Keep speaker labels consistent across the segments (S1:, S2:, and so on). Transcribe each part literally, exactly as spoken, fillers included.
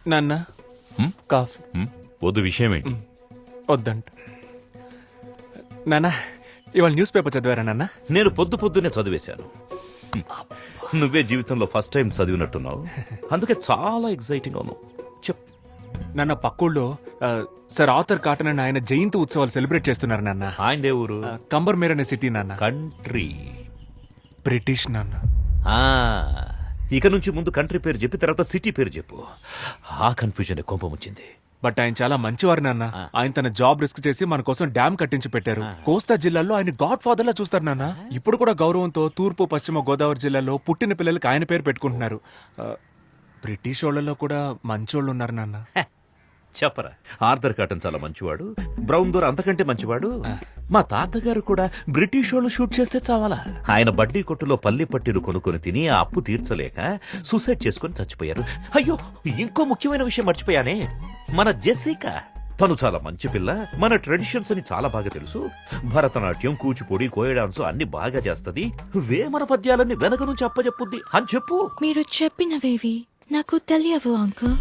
S1: నాన్న కాఫీ
S2: వద్దు, విషయం ఏంటి?
S1: వద్దంట. నాన్న ఇవాళ న్యూస్ పేపర్ చదివారా నాన్న?
S2: నేను పొద్దు పొద్దునే చదివేశాను. నువ్వే జీవితంలో ఫస్ట్ టైం చదివినట్టున్నావు, అందుకే చాలా ఎక్సైటింగ్ అవును. చెప్.
S1: నాన్న పక్కూళ్ళో ఆ, సర్ ఆర్థర్ కాటన్ అని ఆయన జయంతి ఉత్సవాలు సెలబ్రేట్ చేస్తున్నారు నాన్న.
S2: ఆయన ఏ ఊరు?
S1: ఆ, కంబర్మేర్ అనే సిటీ నాన్న.
S2: కంట్రీ.
S1: బ్రిటిష్ నాన్న.
S2: ఆ, ఇక నుంచి ముందు కంట్రీ పేరు చెప్పి తర్వాత సిటీ పేరు చెప్పు. ఆ కన్ఫ్యూజన్ కోపం వచ్చింది.
S1: బట్ ఆయన చాలా మంచివారు నాన్న. ఆయన తన జాబ్ రిస్క్ చేసి మన కోసం డ్యామ్ కట్టించి పెట్టారు. కోస్తా జిల్లాలో ఆయన గాడ్ ఫాదర్ లా చూస్తారు నాన్న. ఇప్పుడు కూడా గౌరవంతో తూర్పు పశ్చిమ గోదావరి జిల్లాలో పుట్టిన పిల్లలకి ఆయన పేరు పెట్టుకుంటున్నారు. ఆ, బ్రిటిష్ వాళ్ళలో కూడా మంచోళ్ళు ఉన్నారు నాన్న.
S2: చెప్పరా, ఆర్థర్ కాటన్ చాలా మంచివాడు, బ్రౌన్ దోర్ అంతకంటే మంచివాడు. మా తాతగారు కూడా బ్రిటిష్ వాళ్ళు షూట్ చేస్తే చావాలా. ఆయన బడ్డీ కొట్టులో పల్లి పట్టీలు కొనుక్కొని తిని ఆ అప్పు తీర్చలేక సూసైడ్ చేసుకుని చచ్చిపోయారు. అయ్యో, ఇంకో ముఖ్యమైన విషయం మర్చిపోయానే, మన జెసికా. తను చాలా మంచి పిల్ల, మన ట్రెడిషన్స్ అని చాలా బాగా తెలుసు. భరతనాట్యం, కూచిపూడి, కోయ డాన్స్ అన్ని బాగా చేస్తది. వేమన పద్యాలన్నీ వెనక నుంచి అప్పచెప్పుద్ది అని చెప్పు.
S3: మీరు చెప్పినవేవి నాకు తెలియవు అంకుల్.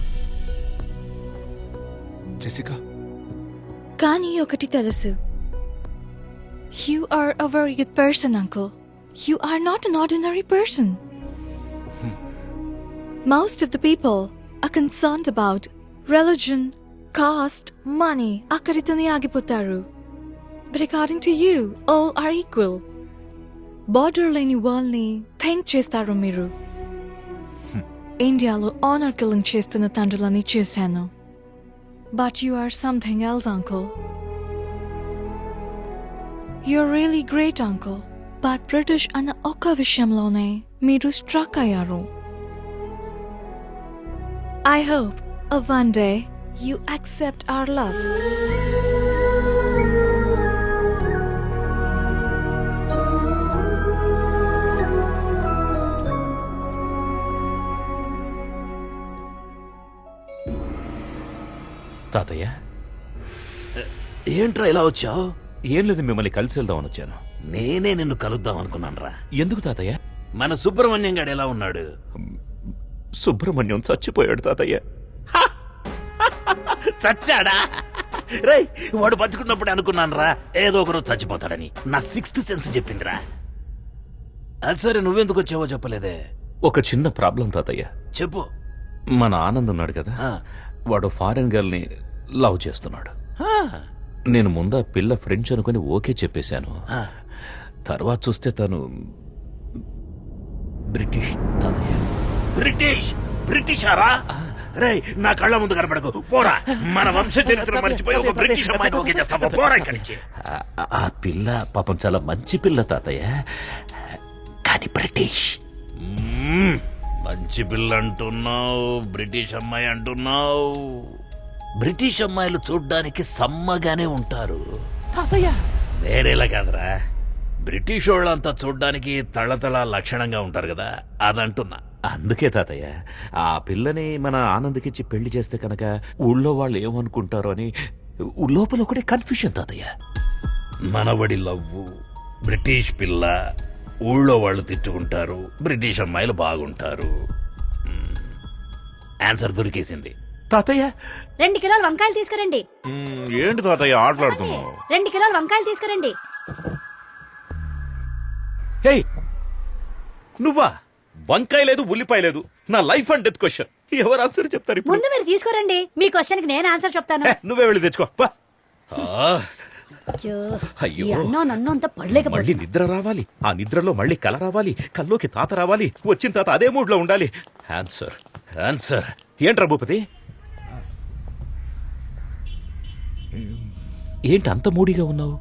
S1: జెసికా,
S3: కానీ ఒకటి తెలుసు. You are a very good person, uncle. You are not an ordinary person. Most of the people are concerned about religion, caste, money. అక్కడితోనే ఆగిపోతారు. But according to you, all are equal. Border లేని world ని think చేస్తారు మీరు. ఇండియాలో honour killing చేస్తున్న తండ్రులని చూశాను. But you are something else, uncle. You're really great, uncle. But British అన్న ఒక్క విషయంలోనే మీరు స్ట్రక్ అయ్యారు. I hope of one day you accept our love.
S2: తాతయ్య, ఏంట్రా ఇలా వచ్చావు? ఏం లేదు, మిమ్మల్ని కలిసి వెళ్దామని వచ్చాను.
S4: నేనే నిన్ను కలుద్దాం అనుకున్నానురా.
S2: ఎందుకు తాతయ్య?
S4: మన సుబ్రహ్మణ్యం గాడు ఎలా ఉన్నాడు?
S2: సుబ్రహ్మణ్యం చచ్చిపోయాడు తాతయ్య.
S4: చచ్చాడా? రేయ్, వాడు బతుకున్నప్పుడు అనుకున్నానురా ఏదో ఒకరోజు చచ్చిపోతాడని. నా సిక్స్త్ సెన్స్ చెప్పిందిరా. అది సరే, నువ్వెందుకు వచ్చావో చెప్పలేదే.
S2: ఒక చిన్న ప్రాబ్లం తాతయ్య.
S4: చెప్పు.
S2: మన ఆనంద్ ఉన్నాడు కదా,
S4: ఆ.
S2: వాడు ఫారెన్ గర్ల్ ని లవ్ చేస్తున్నాడు.
S4: ఆ,
S2: నేను ముందా పిల్ల ఫ్రెంచ్ అనుకుని ఓకే చెప్పేశాను.
S4: ఆ.
S2: తర్వాత చూస్తే తను బ్రిటిష్ తాతయ్య.
S4: బ్రిటిష్? బ్రిటిషారా? రేయ్, నా కళ్ళ ముందు కనపడకు, పోరా. మన వంశ చరిత్ర మర్చిపోయి ఒక బ్రిటిష్ అమ్మాయిని ఓకే చేస్తావా? పోరా ఇక్కడి నుంచి.
S2: ఆ- ఆ పిల్ల పాపం చాలా మంచి పిల్ల తాతయ్య, కానీ బ్రిటిష్.
S4: మ్మ్. మంచి పిల్ల అంటున్నావు, బ్రిటిష్ అమ్మాయి అంటున్నావు. బ్రిటిష్ అమ్మాయిలు చూడ్డానికి సమ్మగానే ఉంటారు
S2: తాతయ్య
S4: వేరేలా కాదురా. బ్రిటిష్ వాళ్ళంతా చూడ్డానికి తళతళ లక్షణంగా ఉంటారు కదా, అదంటున్నా.
S2: అందుకే తాతయ్య, ఆ పిల్లని మన ఆనంద్కిచ్చి పెళ్లి చేస్తే కనుక ఊళ్ళో వాళ్ళు ఏమనుకుంటారో అని లోపల ఒకటే కన్ఫ్యూషన్ తాతయ్య.
S4: మనవడి లవ్వు, బ్రిటిష్ పిల్ల, ఊళ్ళో వాళ్ళు తిట్టుకుంటారు, బ్రిటిష్ అమ్మాయిలు బాగుంటారు. మ్మ్. ఆన్సర్ దొరికేసింది.
S2: తాతయ్య,
S5: రెండు కిలోలు వంకాయలు తీసుకురండి.
S2: ఏంటి తాతయ్య ఆటలాడుతున్నావు?
S5: రెండు కిలోలు వంకాయలు తీసుకురండి.
S2: హే, నువ్వా? వంకాయ లేదు, ఉల్లిపాయ లేదు. నా లైఫ్ అండ్ డెత్ క్వశ్చన్. ఎవరు ఆన్సర్ చెప్తారు ఇప్పుడు?
S5: ముందు మీరు తీసుకురండి, మీ క్వశ్చన్ కి నేను ఆన్సర్ చెప్తాను.
S2: హే, నువ్వే వెళ్ళి తెచ్చుకో. పా. ఆ,
S5: అయ్యో,
S2: అయ్యో.
S5: ఈ అన్నం నన్ను అంత
S2: మళ్ళీ
S5: పడలేకపోతే
S2: నిద్ర రావాలి, ఆ నిద్రలో మళ్ళీ కల రావాలి, కల్లోకి తాత రావాలి, వచ్చిన తాత అదే మూడ్ లో ఉండాలి. ఆన్సర్ ఆన్సర్ ఏంట్రా భూపతి? ఏంటి అంత మూడిగా ఉన్నావు?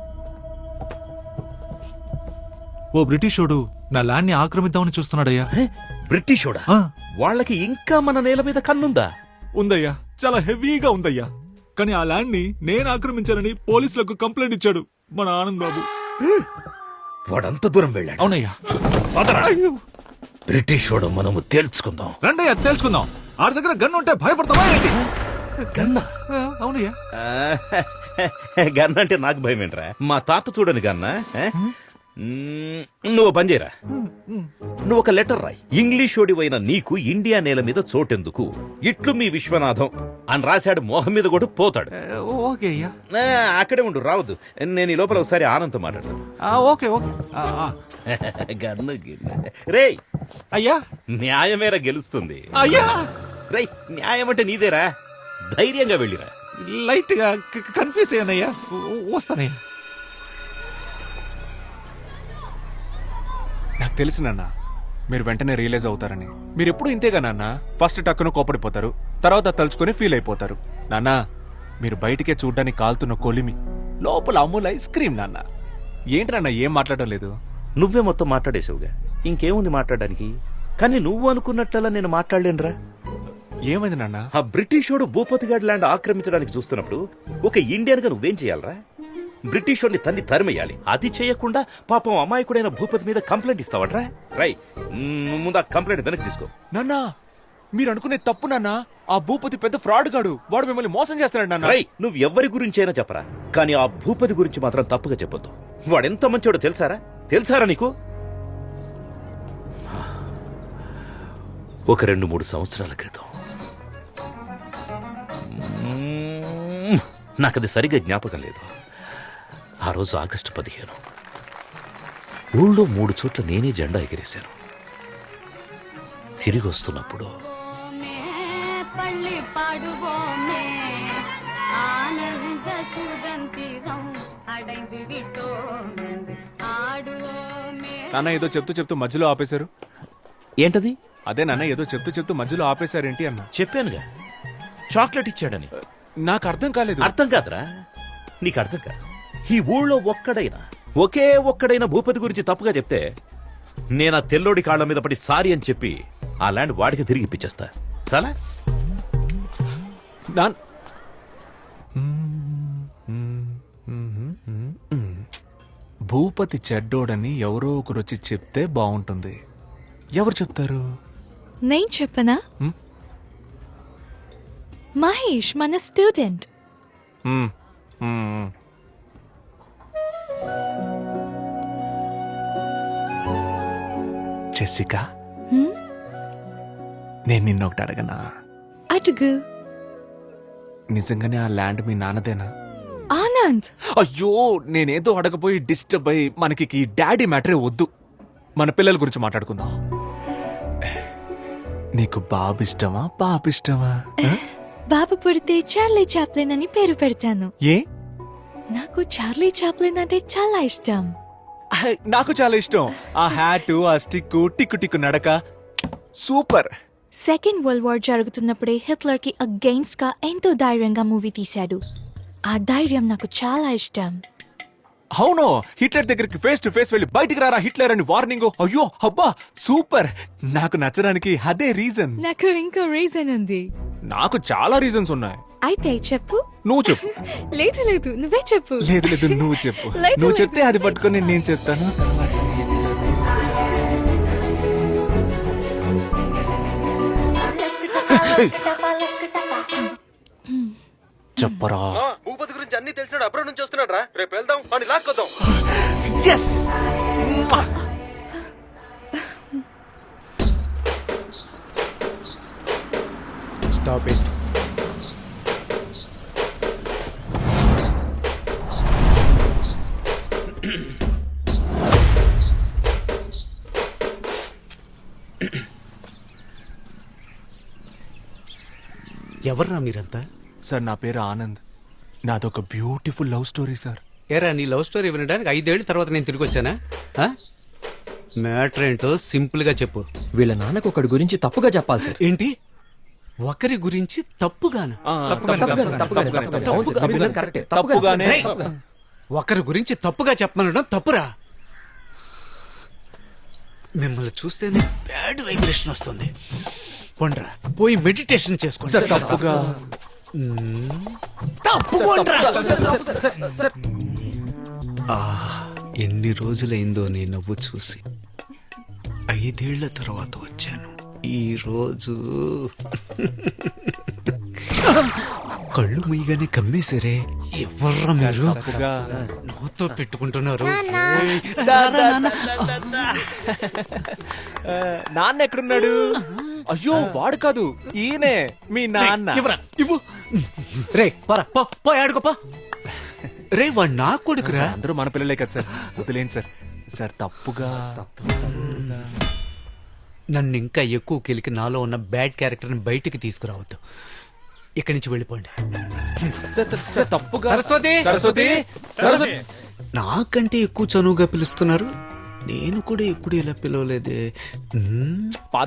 S6: ఓ బ్రిటిషోడు నా ల్యాండ్ ని ఆక్రమిద్దామని చూస్తున్నాడయ్యా.
S2: బ్రిటిషోడా?
S6: ఆ.
S2: వాళ్ళకి ఇంకా మన నేల మీద కన్నుందా?
S6: ఉందయ్యా, చాలా హెవీగా ఉందయ్యా. కానీ ఆ ల్యాండ్ ని నేను ఆక్రమించానని పోలీసులకు కంప్లైంట్ ఇచ్చాడు మన ఆనంద్ బాబు.
S4: వాడంత దూరం వెళ్ళాడు.
S6: అవునయ్యా.
S4: పదరా. బ్రిటిష్ వాడు మనము తేల్చుకుందాం.
S6: రండయ్యా, తెలుసుకుందాం. ఆడి దగ్గర గన్ ఉంటే భయపడతావా ఏంటి?
S4: గన్నా?
S6: ఆ, అవునయ్యా.
S2: గన్న అంటే నాకు భయం ఏంట్రా? మా తాత చూడని గన్న. మ్మ్, నువ్వు పని చేయరా నువ్వు ఒక లెటర్ రాయి ఇంగ్లీష్ ఓడివైన నీకు ఇండియా నేల మీద చోటెందుకు ఇట్లు మీ విశ్వనాథం అని రాశాడు మోహం మీద కూడా పోతాడు
S6: ఏ, ఓకే అయ్యా
S2: ఆ, అక్కడే ఉండు రావద్దు నేను ఈ లోపల ఒకసారి ఆనంద్ మాట్లాడతాను
S6: ఆ, ఓకే ఓకే ఆ, ఆ.
S2: గన్ను గిన్ను. రేయ్
S6: అయ్యా
S2: న్యాయమేరా గెలుస్తుంది
S6: అయ్యా
S2: రేయ్ న్యాయం అంటే నీదేరా ధైర్యంగా వెళ్ళిరా
S6: లైట్ గా కన్ఫ్యూజ్ అయ్యానయ్యా వ- వస్తానయ్యా
S1: నాకు తెలుసు నాన్న మీరు వెంటనే రియలైజ్ అవుతారని. మీరు ఎప్పుడు ఇంతేగా నాన్న, ఫస్ట్ టక్కున కోపడిపోతారు, తర్వాత తలుచుకొని ఫీల్ అయిపోతారు. నాన్న మీరు బయటికే చూడ్డానికి కాలుతున్న కొలిమి, లోపల అమూల్ ఐస్ క్రీమ్. నాన్న ఏంటి నాన్న ఏం మాట్లాడడం లేదు?
S2: నువ్వే మొత్తం మాట్లాడేసావుగా ఇంకేముంది మాట్లాడడానికి. కానీ నువ్వు అనుకున్నట్లలా నేను మాట్లాడలేనురా.
S1: ఏమైంది నాన్న?
S2: ఆ బ్రిటిషోడు భూపతిగాడ్ ల్యాండ్ ఆక్రమించడానికి చూస్తున్నప్పుడు ఒక ఇండియన్ గా నువ్వేం చేయాలరా? బ్రిటిషోడిని తన్ని తరిమేయాలి. అది చేయకుండా పాపం అమాయకుడైన భూపతి మీద కంప్లైంట్ ఇస్తావట్రా? రై మ్, ముందు ఆ కంప్లైంట్ వెనక్కి తీసుకో.
S1: నాన్న మీరు అనుకునే తప్పు నాన్న. ఆ భూపతి పెద్ద ఫ్రాడ్ గాడు, వాడు మిమ్మల్ని మోసం చేస్తున్నాడు నాన్న.
S2: రై నువ్వు ఎవరి గురించైనా చెప్పరా, కానీ ఆ భూపతి గురించి మాత్రం తప్పుగా చెప్పొద్దు. వాడెంత మంచోడో తెలుసారా? తెలుసారా నీకు? ఒక రెండు మూడు సంవత్సరాల క్రితం మ్మ్, నాకది సరిగా జ్ఞాపకం లేదు. ఆ రోజు ఆగస్టు పదిహేను ఊళ్ళో మూడు చోట్ల నేనే జెండా ఎగిరేశాను. తిరిగి వస్తున్నప్పుడు
S7: பள்ளி பாடுவோமே ஆனந்த சுதந்திரம் அடைந்து விட்டோம் என்று ஆடுவோமே.
S1: నాన్న ఏదో చెప్తూ చెప్తూ మధ్యలో ఆపేశారు.
S2: ఏంటది?
S1: అదే నాన్న ఏదో చెప్తూ చెప్తూ మధ్యలో ఆపేశారేంటి అన్న.
S2: చెప్పానుగా చాక్లెట్ ఇచ్చాడని.
S1: నాకు అర్థం కాలేదు.
S2: అర్థం కాదురా, నీకు అర్థం కాదు. ఈ ఊళ్ళో ఒక్కడైనా ఒకే ఒక్కడైనా భూపతి గురించి తప్పుగా చెప్తే నేను ఆ తెల్లోడి కాళ్ళ మీద పడి సారీ అని చెప్పి ఆ ల్యాండ్ వాడికి తిరిగి ఇప్పించేస్తా. చాలా
S1: నాన్ భూపతి చెడ్డోడని ఎవరో ఒకరు వచ్చి చెప్తే బాగుంటుంది. ఎవరు చెప్తారు?
S3: నేను చెప్పనా?
S1: Hmm?
S3: మహేష్ మన స్టూడెంట్.
S1: మ్మ్, మ్మ్. జెసికా,
S3: హ్మ్?
S1: నేను నిన్న ఒకటి అడగనా?
S3: అడుగు.
S1: నిజంగానే ఆ ల్యాండ్ మీ నాన్నదేనా?
S3: ఆనంద్,
S1: అయ్యో నేనేదో అడగపోయి డిస్టర్బ్ అయ్యి మనకి ఈ డాడీ మ్యాటరే వద్దు, మన పిల్లల గురించి మాట్లాడుకుందాం. నీకు బాబు ఇష్టమా పాప ఇష్టమా? ఆ?
S3: బాబు పుడితే చార్లీ చాప్లిన్ అని పేరు పెడతాను.
S1: ఏ?
S3: నాకు చార్లీ చాప్లిన్ అంటే చాలా ఇష్టం.
S1: ఐ, నాకు చాలా ఇష్టం. ఆ హ్యాట్, ఆ స్టిక్, టిక్కు టిక్కు నడక సూపర్.
S3: సెకండ్ వరల్డ్ వార్ జరుగుతున్నప్పుడే హిట్లర్ కి అగెయిన్స్ట్ గా ఎంతో ధైర్యంగా మూవీ తీశాడు. ఆ ధైర్యం నాకు చాలా ఇష్టం.
S1: అవును, హిట్లర్ దగ్గరికి ఫేస్ టు ఫేస్ వెళ్ళి బయటికి రారా హిట్లర్ అని వార్నింగ్. అయ్యో అబ్బా సూపర్. నాకు నచ్చడానికి అదే రీజన్.
S3: నాకు ఇంకో రీజన్ ఉంది.
S1: నాకు చాలా రీజన్స్ ఉన్నాయి.
S3: అయితే చెప్పు.
S1: నువ్వు చెప్పు.
S3: లేదు లేదు నువ్వే చెప్పు.
S1: లేదు లేదు నువ్వు చెప్పు.
S3: లేదు,
S1: నువ్వు
S3: లేదు,
S1: చెప్తే అది పట్టుకొని నేను చెప్తాను. చెప్పరా.
S8: భూపతి గురించి అన్ని తెలిసినాడు అబ్రాడ్ నుంచి వస్తున్నాడు రా. రేపు వెళ్దాం అని లాక్కొద్దాం.
S1: ఎస్.
S8: Stop it.
S9: ఎవర్రా మీరంతా?
S1: సార్ నా పేరు ఆనంద్. నాదొక బ్యూటిఫుల్ లవ్ స్టోరీ సార్.
S9: ఏరా నీ లవ్ స్టోరీ వినడానికి ఐదేళ్ల తర్వాత నేను తిరిగి వచ్చానా? ఆ? మ్యాటర్ ఏంటో సింపుల్ గా చెప్పు.
S10: వీళ్ళ నాన్నకు ఒకడి గురించి తప్పుగా చెప్పాలి సార్.
S9: ఏంటి? ఒకరి గురించి తప్పుగాను?
S10: తప్పుగానే, తప్పుగానే, తప్పుగానే. అవును సార్, మీరు విన్నది కరెక్టే.
S1: తప్పుగానే.
S9: రేయ్, ఒకరి గురించి తప్పుగా చెప్పమనడం తప్పురా. మిమ్మల్ని చూస్తేనే బ్యాడ్ వైబ్రేషన్ వస్తుంది. పొండ్రా పోయి మెడిటేషన్ చేసుకోండి.
S1: సార్ తప్పుగా.
S9: తప్పు పొండ్రా. ఆ, ఎన్ని రోజులైందో నీ నవ్వు చూసి. ఐదేళ్ల తర్వాత వచ్చాను ఈ రోజు. కళ్ళు ముయ్యగానే కమ్మేశారే ఎవర్రా మీరు
S1: తప్పుగా
S9: నాతో పెట్టుకుంటున్నారు
S1: ఆ, నాన్న ఎక్కడున్నాడు? అయ్యో వాడు కాదు, ఈయనే మీ నాన్న.
S9: ఇవ్వరా ఇవ్వు రే పరా పో పో ఆడుకోపా రే వాడు నా కొడుకురా
S1: అందరూ మన పిల్లలే కదా సార్, వదిలేండి సార్. సార్ తప్పుగా
S9: నన్ను ఇంకా ఎక్కువ కెలికి నాలో ఉన్న బ్యాడ్ క్యారెక్టర్ ని బయటికి తీసుకురావద్దు. ఇక్కడి నుంచి వెళ్ళిపోండి.
S1: సార్ సార్, సార్ తప్పుగా
S9: సరస్వతి!
S1: సరస్వతి సరస్వతి
S9: నాకంటే ఎక్కువ చనువుగా పిలుస్తున్నారు. నేను కూడా ఎప్పుడు ఇలా పిలవలేదే. మ్మ్.